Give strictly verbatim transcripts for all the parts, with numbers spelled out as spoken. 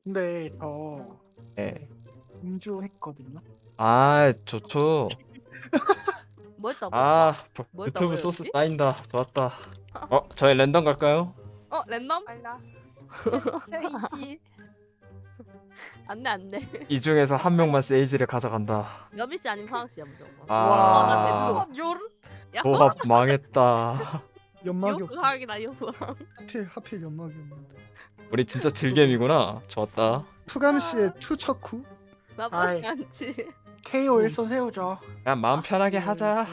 근데 저 예. 음주했거든요. 아 좋죠. 뭐 했다 뭐 했다 아 버- 뭐 유튜브 했다고요, 소스 여기? 쌓인다. 좋았다. 어 저희 랜덤 갈까요? 어 랜덤? 빨라. 이지. 안돼 안돼. 이 중에서 한 명만 세이지를 가져간다. 여빈씨 아니면 파랑씨야 무조건. 아, 와, 나 대두로. 어, 요르. 야 조합 망했다. 연막이 없. 요구하기다 요구. 하필 하필 연막이 없는데. 우리 진짜 질겜이구나. 좋았다. 투감 씨의 투척후. 아이. 나쁘지 않지. 케이오 일선 세우죠. 그냥 마음 편하게 하자.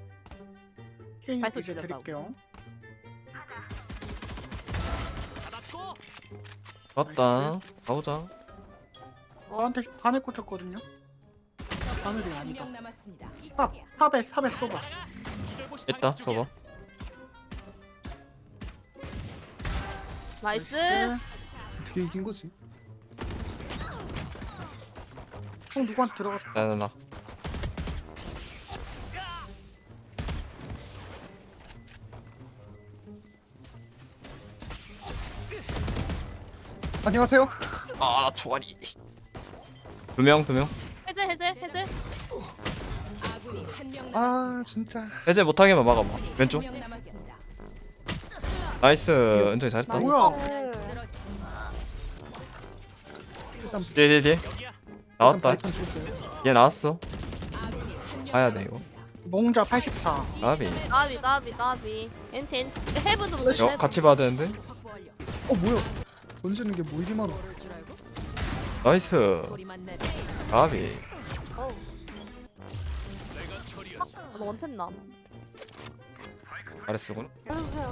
힐 발소 이제 줄였다고. 드릴게요. 좋았다. 가보자. 저한테 바늘 꽂혔거든요. 바늘이 한 아니다. 명 남았습니다. 탑 탑에 탑에 쏘봐. 있다. 써봐. 나이스. 어떻게 이긴 거지? 형 누구한테 들어갔다. 나나나. 안녕하세요. 아 초아리. 두 명, 두 명. 해제 해제 해제. 아군이 한 명 아 진짜. 해제 못하게만 막아봐. 왼쪽. 명 남았습니다. 나이스. 은정이 잘했다. 뭐야? 일단 뒤에 뒤에 뒤에. 나왔다. 일단 줬어요. 얘 나왔어. 아군이 한명 가야 돼 이거. 몽자 팔십사. 나비. 까비 까비 까비. 엔텐. 헤븐도 못 어 같이 봐야 되는데. 확보 완료. 어 뭐야? 던지는 게 모이기만. 모를 줄 알고 나이스. 소리만 내. 나비. 너 원템 남. 잘했어군. 해주세요.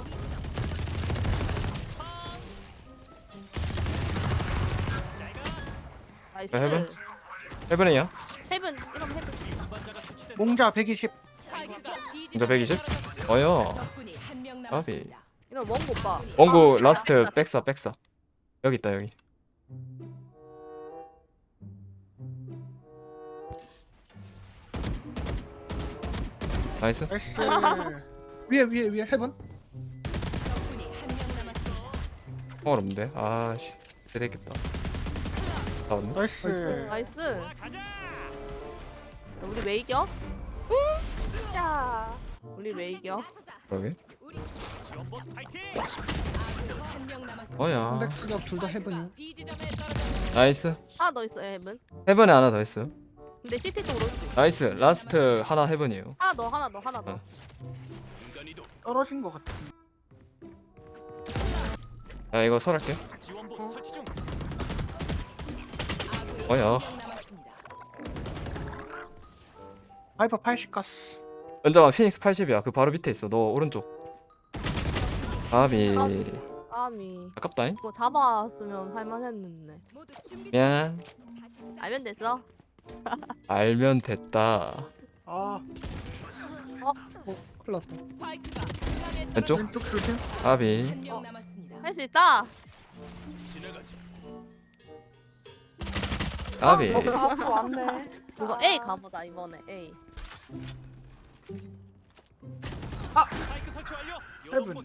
나이스. 야, 헤븐? 해븐이야. 헤븐 이런 헤븐. 몽자 백이십. 스파이크가 B 이거 백이십? 어여. 적군이 한 명 까비. 남았습니다. 이런 원고 오빠. 원구 라스트 백사 백사. 여기 있다 여기. 나이스. 나이스. 위에 위에 위에 헤븐. 적군이 한 명 남았습니다. 총알 없는데. 아씨. 되겠다. 나왔네. 나이스. 나이스. 야, 우리 왜 이겨? 야. 우리 왜 이겨? 그러게. 아군이 한 명 남았습니다. 어야. 근데 그냥 둘다 헤븐이요. B 지점에 떨어졌습니다. 나이스. 하나 더 있어 헤븐. 헤븐에 하나 더 있어요. 근데 시티 쪽으로. 나이스. 라스트 하나 헤븐이에요. 하나 더 하나 더 하나 더. 어. 떨어진 것 같아. 야 이거 설할게요. 아군이 어야. 한 명 남았습니다. 하이퍼 팔십 가스. 은정아 피닉스 팔십이야. 그 바로 밑에 있어. 너 오른쪽. 아비. 아미. 아깝다잉. 이거 잡았으면 할만했는데. 모두 준비. 미안. 알면 됐어. 알면 됐다. 아. 어? 어, 큰일 났다. 스파이크가 중간에 왼쪽? 왼쪽 조심. 아비. 한 명 어. 남았습니다. 할 수 있다. 아비. 앞으로 왔네. 이거 A 가보자 이번에 A. 헤븐.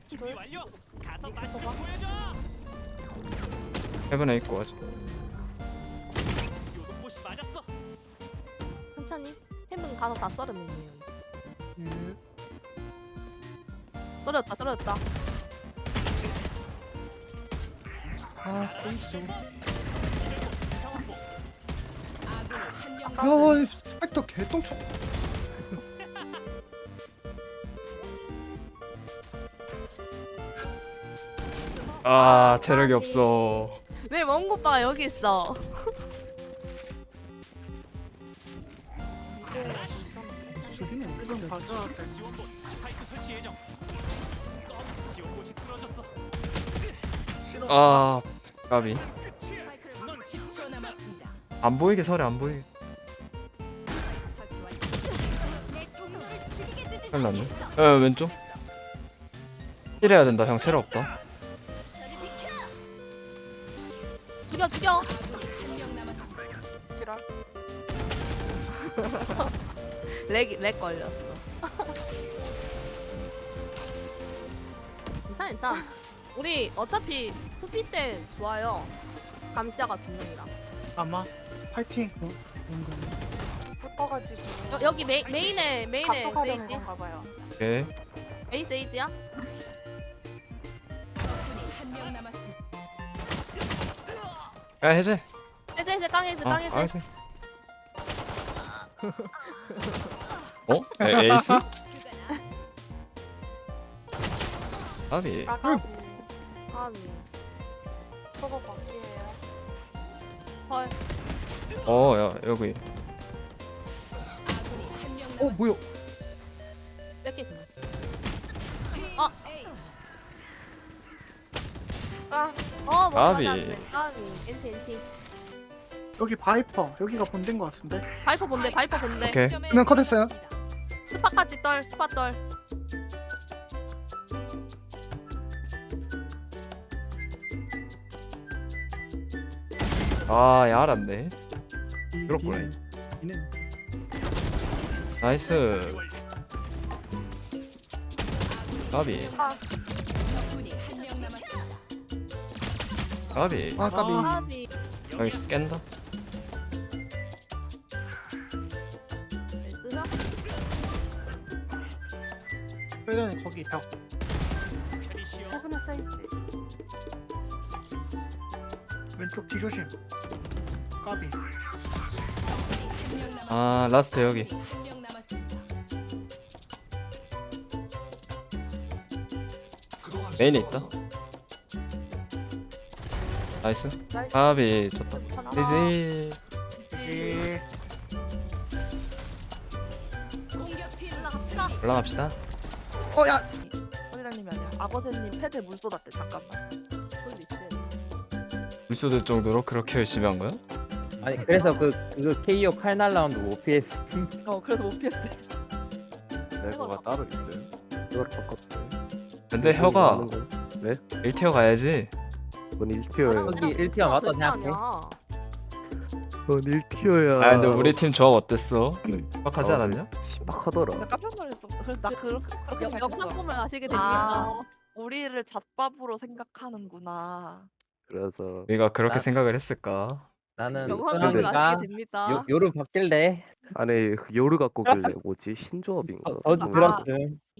헤븐에 있고 아직. 천천히. 헤븐 가서 다 썰으면 돼요. 예. 떨어졌다 떨어졌다. 아 세이죠. 아군이 한 명 야, 이 스펙터 개똥쳐. 아 체력이 없어. 왜 원고 오빠가 여기 있어? 수비는 이건 가져야 돼. 아 까비. 스파이크를 십 초 남았습니다. 안 보이게 설에 안 보이게. 설치 완료. 내 동료를 죽이게 두지 큰일 났네. 어 왼쪽. 힐해야 된다. 형 체력 없다. 죽여 죽여. 한 명 남았습니다. 지랄. 렉, 렉 걸렸어. 괜찮아 괜찮아. 우리 어차피 수비 때 좋아요. 감시자가 두 명이다. 아마 파이팅. 어? 뭔가. 붙어가지고 여, 여기 메, 메인에 메인에 각도가려는 세이지. 건가 봐요. 오케이. 메인 세이지야? 적군이 한 명 남았습니다. 야 해제. 해제 해제 깡해제 아, 아 깡해제. 해제. 어? 에, 에이스? 아비. 까까비. 아미. 저거 바퀴예요. 헐. 어, 야 여기. 아군이 한 명 어 남았습니다. 뭐야? 뺄게 그냥. 에이. 아. 어 뭐. 아미. 아미. 엔티 엔티. 여기 바이퍼. 여기가 본된 것 같은데. 발포 본대 발포 본대. 오케이. 그냥 컷했어요. 스파까지 떨 스파 떨. 아, 야 알았네. 이- 그렇구나. 비는- 비는. 나이스. 아비. 적군이 한 명 남았습니다. 아비. 아 까비. 아미. 여기 깬다. 쓰나? 빼는 거기 벽. 최근에 세이지. 왼쪽 뒤조심. 까비. 한 명 남았습니다. 아 라스트 여기. 한 명 남았습니다. 메인에 있다. 나이스. 나이스. 아비 좋다. 이지. 예. 공격팀 올라갑시다. 올라갑시다. 어 야. 선이랑님이 아니라 아버지님 패드에 물 쏟았대. 잠깐만. 물소들 정도로 그렇게 열심히 한 거야? 아니 그래서 그 그 케이오 칼 날라운드 오피에스 어 그래서 못 피했대. server가 따로 있어요? 그걸 바꿨대. 근데 혀가 네? 일 티어 가야지. 전 일 티어예요. 여기 일 티어 맞다 생각해. 전 일 티어야. 아 근데 우리 팀 조합 어땠어? 빡하지 않았냐? 신박하더라. 나 깜짝 놀랐어. 그래서 나 그렇게 그렇게 역- 생각했어. 역상품을 아시게 됩니다. 아, 우리를 잣밥으로 생각하는구나. 그래서 우리가 그렇게 나- 생각을 했을까? 나는 영상품을 은하니까 아시게 됩니다. 요 요를 바뀔래. 안에 요르 갖고 길래 뭐지 신조합인가? 저 뭐 들었음.